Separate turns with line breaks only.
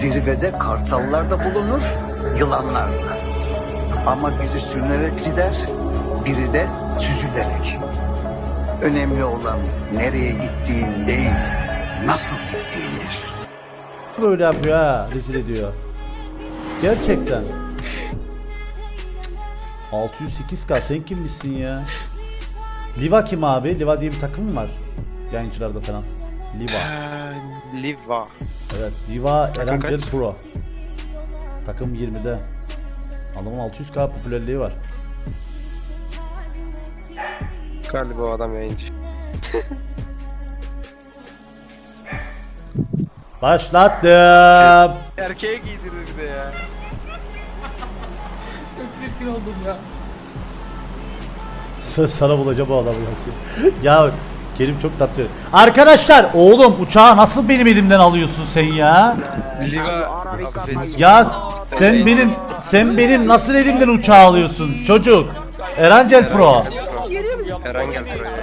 Zirvede kartallar da bulunur, yılanlar da. Ama biri sürünerek gider, biri de süzülerek. Önemli olan nereye gittiğin değil, nasıl gittiğindir.
Böyle yapıyor ha, rezil ediyor. Gerçekten. 608k sen kimmişsin ya? Liva kim abi? Liva diye bir takım mı var? Yayıncılarda falan. Liva.
Liva.
Evet, Liva
Takım
Erangel
kaç?
Pro. Takım 20'de. Adamın 600k popülerliği var.
Galiba o adam yayıncı.
Başlattım.
Erkeğe giydirdi bir de ya.
Çok çirkin oldum ya.
Söz sana bulacağım o adamı ya. Kerim çok tatlı. Arkadaşlar oğlum uçağı nasıl benim elimden alıyorsun sen ya?
Liva.
Ya sen benim nasıl elimden uçağı alıyorsun çocuk? Erangel Pro.
Eren gel buraya.